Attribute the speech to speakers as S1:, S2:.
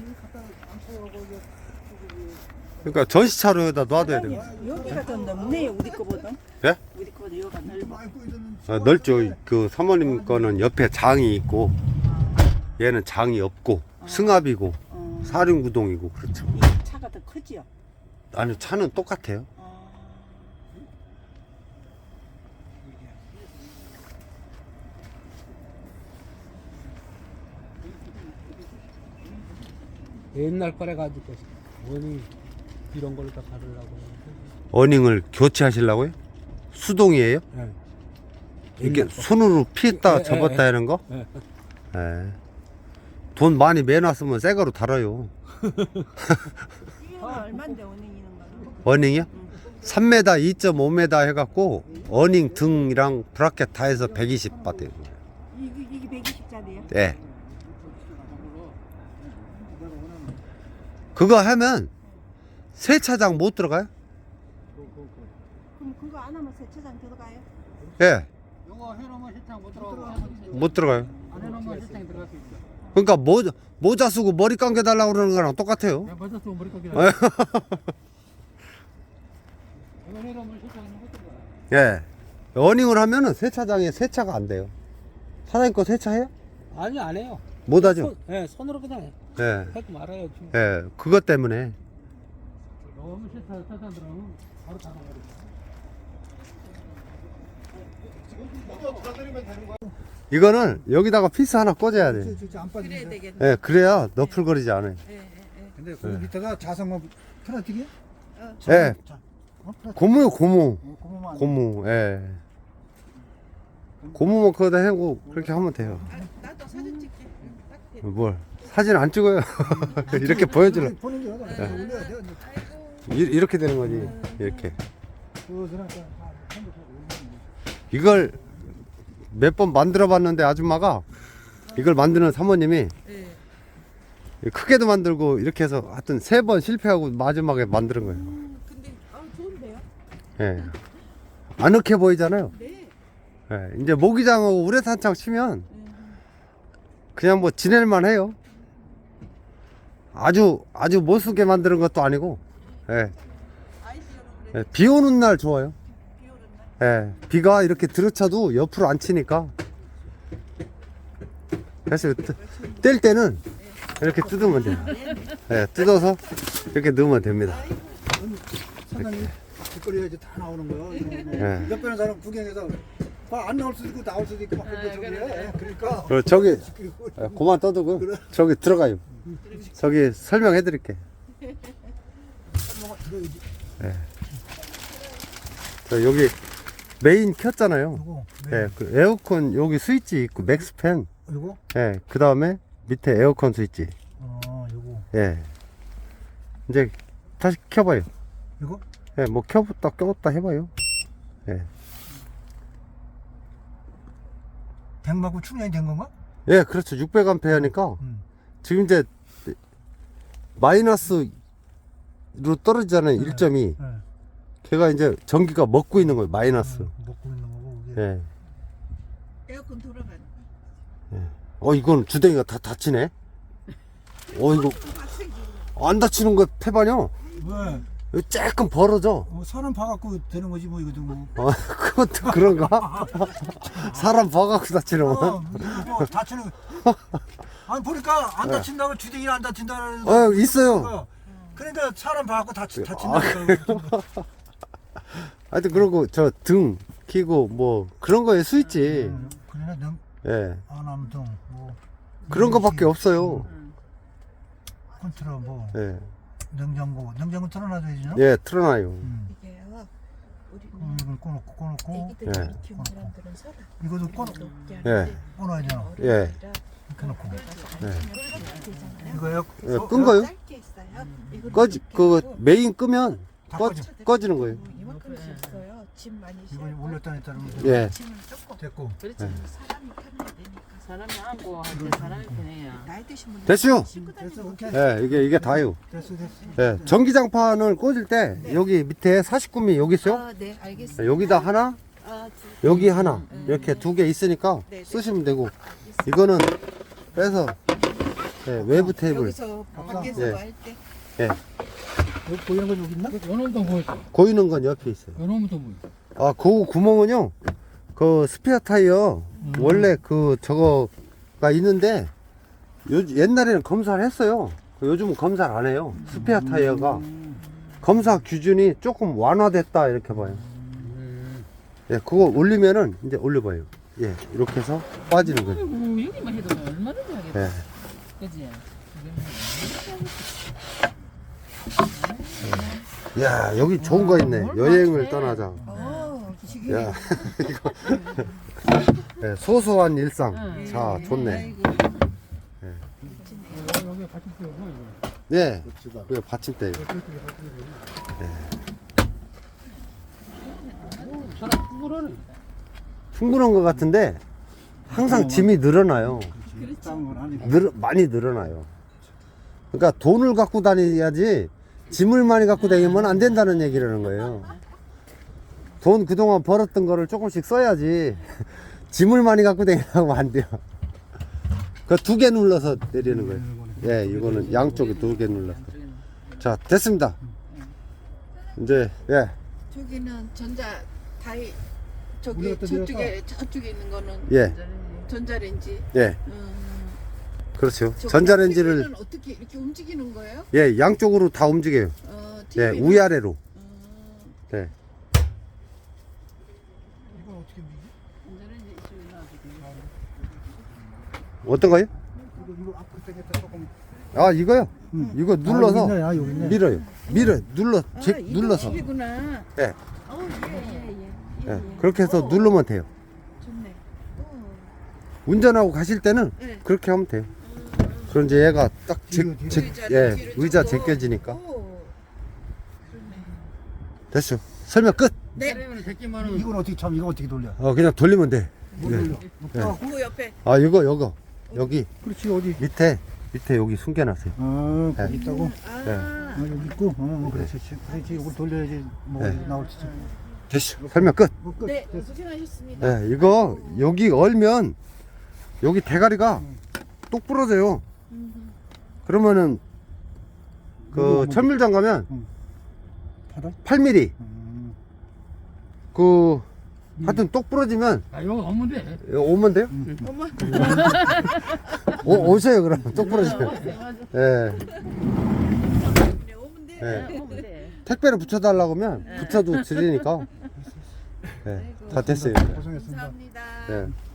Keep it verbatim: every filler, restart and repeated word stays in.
S1: 그러니까 전시차로 여기다 놔둬야 돼요.
S2: 여기가 더 넓네요, 우리 거보다.
S1: 예?
S2: 우리 거보다 여기가 넓어.
S1: 아, 넓죠. 그 사모님 거는 옆에 장이 있고 얘는 장이 없고 승합이고
S2: 어.
S1: 사륜구동이고 그렇죠.
S2: 이 차가 더 크지요?
S1: 아니 차는 똑같아요.
S2: 어.
S3: 옛날 거래 가지고 원이 이런 걸로 다 가르려고 하는데.
S1: 어닝을 교체하시려고요? 수동이에요?
S3: 네.
S1: 이게
S3: 옛날 거.
S1: 손으로 피했다
S3: 예,
S1: 접었다
S3: 예,
S1: 하는 거?
S3: 네.
S1: 예. 돈 많이 매놨으면 새 거로 달아요.
S2: 이거 얼마인데 어닝이는 거는?
S1: 어닝이요? 삼 미터, 이 점 오 미터 해갖고 어닝 등이랑 브라켓 다 해서 백이십 받아요.
S2: 이게, 이게 백이십짜리예요?
S1: 네. 그거 하면 세차장 못 들어가요?
S2: 그럼 그거 안 하면 세차장 들어가요?
S1: 예.
S4: 이거 해놓으면 세차장 못 들어가고
S1: 못 들어가요.
S4: 안 해놓으면 세차장에 들어갈 수 있어.
S1: 그러니까 모자, 모자 쓰고 머리 감겨달라고 그러는 거랑 똑같아요.
S4: 내가 먼저 쓰고 머리 깎이라.
S1: 예.
S4: 이거 해놓으면 세차장에 못 들어가.
S1: 예. 어닝을 하면은 세차장에 세차가 안 돼요. 사장님 거 세차해요?
S3: 아니 안 해요.
S1: 못 하죠?
S3: 손, 네, 손으로 그냥 해.
S1: 예.
S3: 하지 말아요. 지금.
S1: 예. 그것 때문에.
S4: 너무 세차 세차장 들어가면 바로 닫아버려.
S1: 이거는 여기다가 피스 하나 꽂아야 돼.
S4: 안
S2: 그래야
S4: 빠지네.
S2: 되겠네.
S1: 예. 그래야 너풀거리지 않아요.
S2: 예, 예, 예.
S4: 근데 그 밑에가 자석만 플라스틱이야?
S1: 예.
S4: 어, 플라스틱.
S1: 고무요, 고무.
S4: 어, 고무만. 안
S1: 고무, 예. 고무만 거기다 해고 그렇게 하면 돼요.
S2: 아, 나도 사진 찍게. 딱 돼.
S1: 뭘. 사진 안 찍어요. 이렇게 보여주려.
S4: 보는 게 어디야?
S1: 예.
S4: 올려야 돼.
S2: 아이고.
S1: 이- 이렇게 되는 거지. 이렇게.
S4: 그 사람 다 핸드폰 올리는 거.
S1: 이걸 몇 번 만들어 봤는데 아줌마가 이걸 만드는 사모님이
S2: 예.
S1: 크게도 만들고 이렇게 해서 하여튼 세 번 실패하고 마지막에 만드는 거예요.
S2: 음, 근데 아 좋은데요?
S1: 예. 아늑해 보이잖아요.
S2: 네.
S1: 예. 이제 모기장하고 우레탄창 치면
S2: 음.
S1: 그냥 뭐 지낼만 해요. 아주 아주 못쓰게 만드는 것도 아니고. 예.
S2: 아이디어로 그래.
S1: 예. 비 오는 날 좋아요.
S2: 비 오는 날.
S1: 예. 비가 이렇게 들어차도 옆으로 안 치니까. 그래서 뜨- 뗄 때는 이렇게 뜯으면 돼요. 예. 뜯어서 이렇게 넣으면 됩니다.
S4: 사장님 뒷거리에 이제 다 나오는 거야.
S1: 예.
S4: 옆에 는 사람 구경해서 봐, 안 나올 수도 있고 나올 수도 있고 막 그런데 저기에. 그러니까
S1: 어, 저기 예, 그만 떠두고 저기 들어가요. 저기 설명해 드릴게. 예. 저 여기 메인 켰잖아요.
S4: 이거
S1: 예, 그 에어컨 여기 스위치 있고 맥스팬.
S4: 이거
S1: 예, 그 다음에 밑에 에어컨 스위치.
S4: 어 이거
S1: 예. 이제 다시 켜봐요.
S4: 이거
S1: 예, 뭐 켜봤다 껴봤다 해봐요. 예.
S4: 백만큼 충전이 된 건가?
S1: 예, 그렇죠. 육백 암페어 하니까
S4: 음.
S1: 지금 이제 마이너스로 떨어지잖아요. 일 점이.
S4: 네.
S1: 걔가 이제 전기가 먹고 있는 거예요. 마이너스.
S4: 음, 먹고 있는 거고 이게.
S1: 예.
S2: 에어컨 돌아가는.
S1: 어, 이건 주댕이가 다 다치네. 어, 이거 안 다치는 거 패반이요.
S4: 왜?
S1: 이거 조금 벌어져.
S4: 뭐 사람 봐갖고 되는 거지 뭐 이거도 뭐.
S1: 어, 그것도 그런가? 사람 봐갖고 다치는
S4: 어,
S1: 거.
S4: 이거 다치는. 아니 보니까 안 다친다고 주댕이 안 다친다는.
S1: 어, 있어요.
S4: 그러니까 사람 봐갖고 다치
S1: 아,
S4: 다친다니까.
S1: 하여튼 그러고 저 등 키고 뭐 그런 거에 스위치.
S4: 그러나 능
S1: 예.
S4: 안암등 뭐
S1: 그런 거밖에 없어요.
S4: 컨트롤 뭐
S1: 예.
S4: 냉장고 냉장고 틀어놔줘야지.
S1: 예, 틀어놔요.
S4: 음.
S2: 이게요. 우리
S4: 음, 이걸 꺼놓고 꺼놓고
S2: 애기들
S1: 예.
S2: 이렇게 키우는 사람들은 서다.
S4: 이것도 꺼
S1: 예.
S4: 꺼놔야죠.
S1: 예.
S4: 이렇게 놓고
S2: 예.
S4: 이거요.
S1: 예, 끈 거요?
S2: 짧게 있어요. 이거
S1: 꺼지, 그 메인 끄면
S4: 다
S1: 꺼,
S4: 꺼져.
S1: 꺼지는 거예요.
S2: 이만큼씩 있어요. 짐 많이
S4: 이거
S2: 싣고.
S4: 올렸다 냈다 하면
S1: 예.
S2: 짐을 조금.
S4: 됐고.
S2: 그렇지. 사람이 타면 되니까.
S5: 사람이 안고 할때 사람이 편해요.
S2: 나이 드신 분들
S1: 됐어요.
S2: 싣고
S4: 됐어
S2: 다니는
S4: 오케이.
S1: 예, 이게 이게 다요.
S4: 됐어 됐어.
S1: 예. 전기장판을 꽂을 때 여기 밑에 사십구 미 여기 있어요.
S2: 아, 네, 알겠습니다.
S1: 여기다 하나,
S2: 아, 두-
S1: 여기 하나 이렇게 두 개 있으니까
S2: 네, 네.
S1: 쓰시면 되고 이거는 빼서 예, 외부 테이블.
S2: 여기서 밖에서
S1: 예.
S2: 할 때.
S1: 예.
S4: 여기 보이는 건 여기 있나?
S3: 요놈도 보이죠?
S1: 보이는 건 옆에 있어요.
S3: 요놈도 보이죠?
S1: 아, 그 구멍은요, 그 스피어 타이어,
S3: 음.
S1: 원래 그 저거가 있는데, 요, 옛날에는 검사를 했어요. 요즘은 검사를 안 해요. 스피어 타이어가. 검사 기준이 조금 완화됐다, 이렇게 봐요.
S3: 음.
S1: 예, 그거 올리면은, 이제 올려봐요. 예, 이렇게 해서 빠지는 거예요.
S5: 아이고 여기만 해도 얼마든지 하겠다.
S1: 예.
S5: 그지?
S1: 야, 여기 좋은 거 있네.
S5: 뭘
S1: 여행을
S5: 맞춰.
S1: 떠나자.
S2: 어, 지금.
S1: 야, 이거. 예, 소소한 일상.
S5: 응.
S1: 자, 좋네.
S2: 아이고.
S3: 여기 같이 뛰어서 이거.
S1: 네, 그 받침대.
S3: 사람 구부러네.
S1: 충분한 것 같은데, 항상 짐이 늘어나요.
S4: 싸운 건 아니고.
S1: 늘, 많이 늘어나요. 그러니까 돈을 갖고 다녀야지 짐을 많이 갖고 다니면 안 된다는 얘기라는 거예요. 돈 그동안 벌었던 거를 조금씩 써야지 짐을 많이 갖고 다니려고 하면 안 돼요. 그 두 개 눌러서 내리는 거예요. 예, 이거는 양쪽에 두 개 눌러서. 자, 됐습니다. 이제, 예,
S2: 저기는 전자 다이 저기
S4: 우리가 또
S2: 저쪽에 저쪽에 있는 거는
S1: 예,
S2: 전자레인지.
S1: 예,
S2: 음,
S1: 그렇죠.
S2: 저기
S1: 전자레인지를,
S2: 티비는 어떻게 이렇게 움직이는 거예요?
S1: 예, 양쪽으로 다 움직여요.
S2: 어,
S1: 예,
S2: 티비는?
S1: 위아래로.
S2: 음,
S1: 예.
S4: 이건 어떻게 미지?
S1: 어떤가요?
S4: 이거 이거 앞으로 당겼다 조금.
S1: 아, 이거요?
S4: 응.
S1: 이거
S4: 아, 여기
S1: 눌러서
S4: 있네. 아, 여기 있네.
S1: 밀어요. 밀어요. 눌러,
S2: 아,
S1: 제,
S2: 이거
S1: 눌러서.
S2: 팁이구나.
S1: 예,
S2: 어, 예, 예, 예. 예,
S1: 예.
S2: 예.
S1: 그렇게 해서
S2: 어,
S1: 누르면 돼요.
S2: 좋네. 어.
S1: 운전하고 가실 때는
S2: 네.
S1: 그렇게 하면 돼요. 그럼 이제 얘가 딱 제,
S4: 뒤로, 뒤로.
S1: 제,
S2: 의자를
S1: 예,
S2: 뒤로
S1: 의자
S2: 접고.
S1: 제껴지니까.
S2: 오, 그러네.
S1: 됐죠. 설명 끝.
S2: 네.
S3: 그러면 백기만 원.
S4: 이건 어떻게 참 이거 어떻게 돌려?
S1: 어, 그냥 돌리면 돼.
S4: 못
S1: 네.
S4: 돌려. 아,
S2: 그 옆에
S1: 아, 이거, 이거. 여기
S4: 그렇지 어디?
S1: 밑에, 밑에 여기 숨겨놨어요.
S4: 아, 거기
S1: 네.
S4: 있다고?
S2: 아,
S1: 네.
S4: 아, 여기 있고. 어, 그렇지. 그렇지. 이걸 돌려야지 뭐
S1: 네.
S4: 나올지.
S1: 됐죠. 설명 끝.
S4: 뭐 끝.
S2: 네, 고생하셨습니다.
S1: 예, 이거 여기 얼면 여기 대가리가 똑 부러져요. 그러면은 그
S4: 뭐, 뭐.
S1: 천밀장 가면
S4: 팔아?
S1: 팔 밀리미터
S4: 음.
S1: 그 하여튼 똑 부러지면
S3: 아, 이거 없면 돼.
S1: 오면 돼요?
S2: 어머,
S1: 오, 오세요 그럼 똑 부러지면. 예.
S2: 네, 오면 돼.
S1: 예.
S5: 오면 돼.
S1: 택배를 붙여달라고 하면 붙여도 드리니까. 예, 다 됐어요.
S4: 고생했습니다.
S2: 감사합니다.
S1: 예.